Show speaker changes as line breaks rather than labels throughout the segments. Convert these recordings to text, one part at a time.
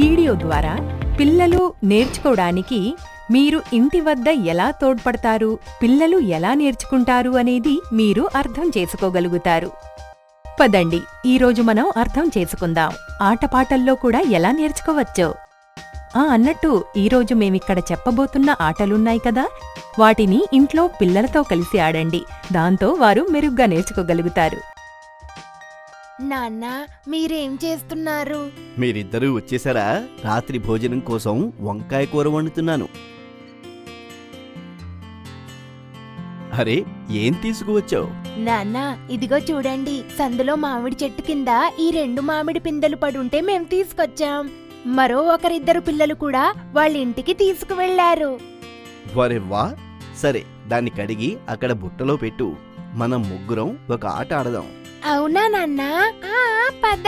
Video ద్వారా పిల్లలు నేర్చుకోవడానికి మీరు ఇంటి వద్ద ఎలా తోడ్పడతారు, పిల్లలు ఎలా నేర్చుకుంటారు అనేది మీరు అర్థం చేసుకోగలుగుతారు. పదండి, ఈరోజు మనం అర్థం చేసుకుందాం ఆటపాటల్లో కూడా ఎలా నేర్చుకోవచ్చో. అన్నట్టు ఈరోజు మేమిక్కడ చెప్పబోతున్న ఆటలున్నాయి కదా, వాటిని ఇంట్లో పిల్లలతో కలిసి ఆడండి. దాంతో వారు మెరుగ్గా నేర్చుకోగలుగుతారు.
నాన్నా, మీరేం చేస్తున్నారు?
మీరిద్దరూ వచ్చేసారా? రాత్రి భోజనం కోసం వంకాయ కూర వండుతున్నాను. అరే, ఏం తీసుకువచ్చావు?
నాన్నా, ఇదిగో చూడండి, సందులో మామిడి చెట్టు కింద ఈ 2 మామిడి పిందెలు పడుంటే మేం తీసుకొచ్చాం. మరో ఒకరిద్దరు పిల్లలు కూడా వాళ్ళ ఇంటికి తీసుకువెళ్లారు.
వరెవ్వా! సరే, దాన్ని కడిగి అక్కడ బుట్టలో పెట్టు. మనం ముగ్గురం ఒక ఆట ఆడదాం.
అవునా నాన్నా? పద.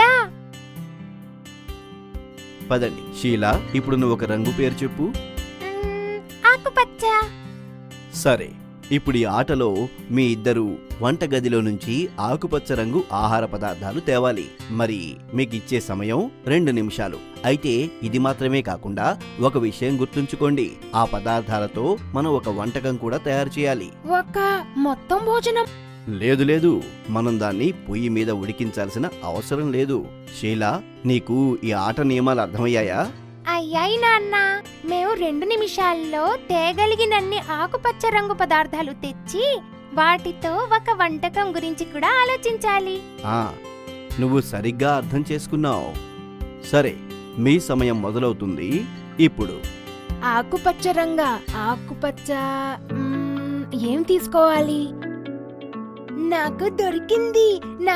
పదండి. షీలా, ఇప్పుడు నువ్వు ఒక రంగు పేరు చెప్పు.
ఆకుపచ్చ.
సరే, ఇప్పుడు ఈ ఆటలో మీ ఇద్దరు వంటగదిలో నుంచి ఆకుపచ్చ రంగు ఆహార పదార్థాలు తేవాలి. మరి మీకిచ్చే సమయం 2 నిమిషాలు. అయితే ఇది మాత్రమే కాకుండా ఒక విషయం గుర్తుంచుకోండి, ఆ పదార్థాలతో మనం ఒక వంటకం కూడా తయారు చేయాలి.
ఒక మొత్తం భోజనం?
లేదు, మనం దాన్ని పొయ్యి మీద ఉడికించాల్సిన అవసరం లేదు. షీలా, నీకు ఈ ఆట నియమాలు అర్థమయ్యాయా?
అయ్యాయి నాన్న. మేము 2 నిమిషాల్లో తేగలిగినన్ని ఆకుపచ్చ రంగు పదార్థాలు తెచ్చి వాటితో ఒక వంటకం గురించి కూడా ఆలోచించాలి.
నువ్వు సరిగ్గా అర్థం చేసుకున్నావు. సరే, మీ సమయం మొదలవుతుంది ఇప్పుడు.
ఆకుపచ్చ రంగా? ఆకుపచ్చ ఏం తీసుకోవాలి? నాకు దొరికింది.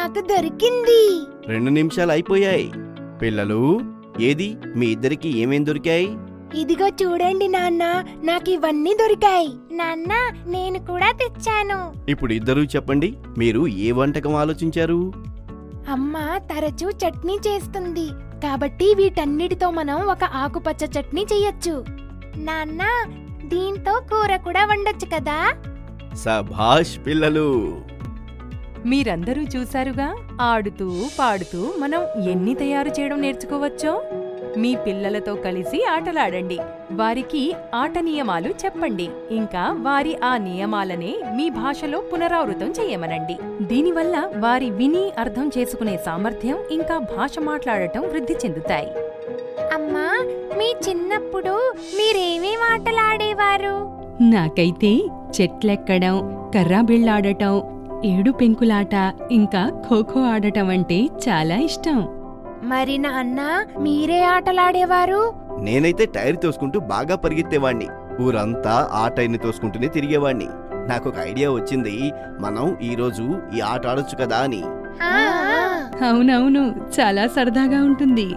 2 నిమిషాలు అయిపోయాయి. పిల్లలు, ఏది మీ ఇద్దరికి ఏమేం దొరికాయి?
ఇదిగో చూడండి నాన్న, నాకు ఇవన్నీ దొరికాయి. నాన్న, నేను కూడా తెచ్చాను.
ఇప్పుడు ఇద్దరూ చెప్పండి, మీరు ఏ వంటకం ఆలోచించారు?
అమ్మ తరచూ చట్నీ చేస్తుంది, కాబట్టి వీటన్నిటితో మనం ఒక ఆకుపచ్చ చట్నీ చెయ్యొచ్చు. నాన్న, దీంతో కూర కూడా వండొచ్చు కదా?
సభాష్ పిల్లలు!
మీరందరూ చూశారుగా, ఆడుతూ పాడుతూ మనం ఎన్ని తయారు చేయడం నేర్చుకోవచ్చో. మీ పిల్లలతో కలిసి ఆటలాడండి, వారికి ఆట నియమాలు చెప్పండి, ఇంకా వారి ఆ నియమాలనే మీ భాషలో పునరావృతం చేయమనండి. దీనివల్ల వారి విని అర్థం చేసుకునే సామర్థ్యం ఇంకా భాష మాట్లాడటం వృద్ధి చెందుతాయి.
అమ్మా, మీ చిన్నప్పుడు మీరేమేం ఆటలాడేవారు?
నాకైతే చెట్లెక్కడం, కర్రాబిళ్ళాడటం, 7 పెంకులాట, ఇంకా ఖోఖో ఆడటం అంటే చాలా ఇష్టం.
మరి నాన్న, మీరే ఆటలాడేవారు?
నేనైతే టైర్ తోసుకుంటూ బాగా పరిగెత్తేవాణ్ణి. ఊరంతా ఆ టైర్ని తోసుకుంటూనే తిరిగేవాణ్ణి. నాకొక ఐడియా వచ్చింది, మనం ఈరోజు ఈ ఆట ఆడొచ్చు కదా అని.
అవునవును, చాలా సరదాగా ఉంటుంది.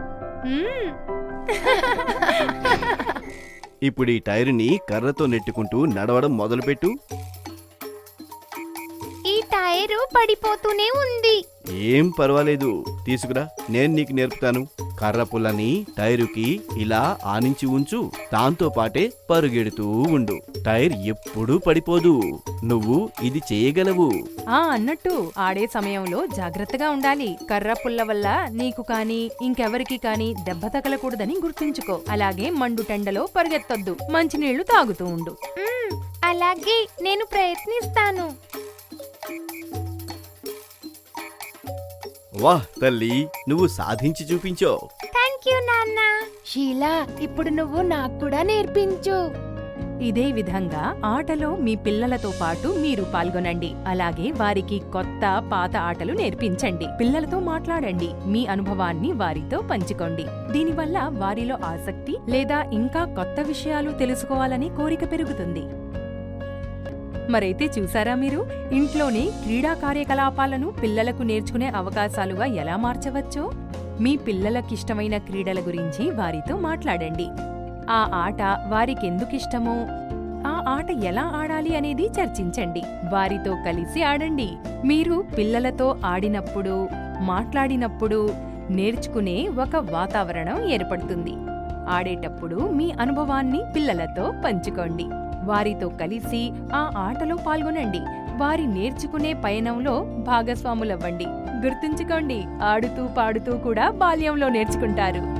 ఇప్పుడు ఈ టైరుని కర్రతో నెట్టుకుంటూ నడవడం మొదలుపెట్టు.
ఈ టైరు పడిపోతూనే ఉంది.
ఏం పర్వాలేదు, తీసుకురా, నేను నీకు నేర్పుతాను. కర్ర పుల్లని టైరుకి ఇలా ఆనించి ఉంచు, దాంతో పాటే పరుగెడుతూ ఉండు. టైర్ ఎప్పుడూ పడిపోదు. నువ్వు ఇది చేయగలవు.
అన్నట్టు ఆడే సమయంలో జాగ్రత్తగా ఉండాలి. కర్ర పుల్ల వల్ల నీకు కాని ఇంకెవరికి కాని దెబ్బ తగలకూడదని గుర్తుంచుకో. అలాగే మండుటెండలో పరిగెత్తొద్దు, మంచినీళ్లు తాగుతూ ఉండు.
అలాగే, నేను ప్రయత్నిస్తాను.
వాహ్ తల్లి, నువ్వు సాధించి చూపించావు.
థ్యాంక్ యూ నాన్న. షీలా, ఇప్పుడు నువ్వు నాకు కూడా నేర్పించు.
ఇదే విధంగా ఆటలో మీ పిల్లలతో పాటు మీరు పాల్గొనండి. అలాగే వారికి కొత్త పాత ఆటలు నేర్పించండి. పిల్లలతో మాట్లాడండి, మీ అనుభవాన్ని వారితో పంచుకోండి. దీనివల్ల వారిలో ఆసక్తి లేదా ఇంకా కొత్త విషయాలు తెలుసుకోవాలని కోరిక పెరుగుతుంది. మరైతే చూసారా మీరు, ఇంట్లోనే క్రీడా కార్యకలాపాలను పిల్లలకు నేర్చుకునే అవకాశాలుగా ఎలా మార్చవచ్చో? మీ పిల్లలకిష్టమైన క్రీడల గురించి వారితో మాట్లాడండి. ఆ ఆట వారికెందుకిష్టమో, ఆ ఆట ఎలా ఆడాలి అనేది చర్చించండి. వారితో కలిసి ఆడండి. మీరు పిల్లలతో ఆడినప్పుడు, మాట్లాడినప్పుడు నేర్చుకునే ఒక వాతావరణం ఏర్పడుతుంది. ఆడేటప్పుడు మీ అనుభవాన్ని పిల్లలతో పంచుకోండి. వారితో కలిసి ఆ ఆటలో పాల్గొనండి. వారి నేర్చుకునే పయనంలో భాగస్వాములవ్వండి. గుర్తుంచుకోండి, ఆడుతూ పాడుతూ కూడా బాల్యంలో నేర్చుకుంటారు.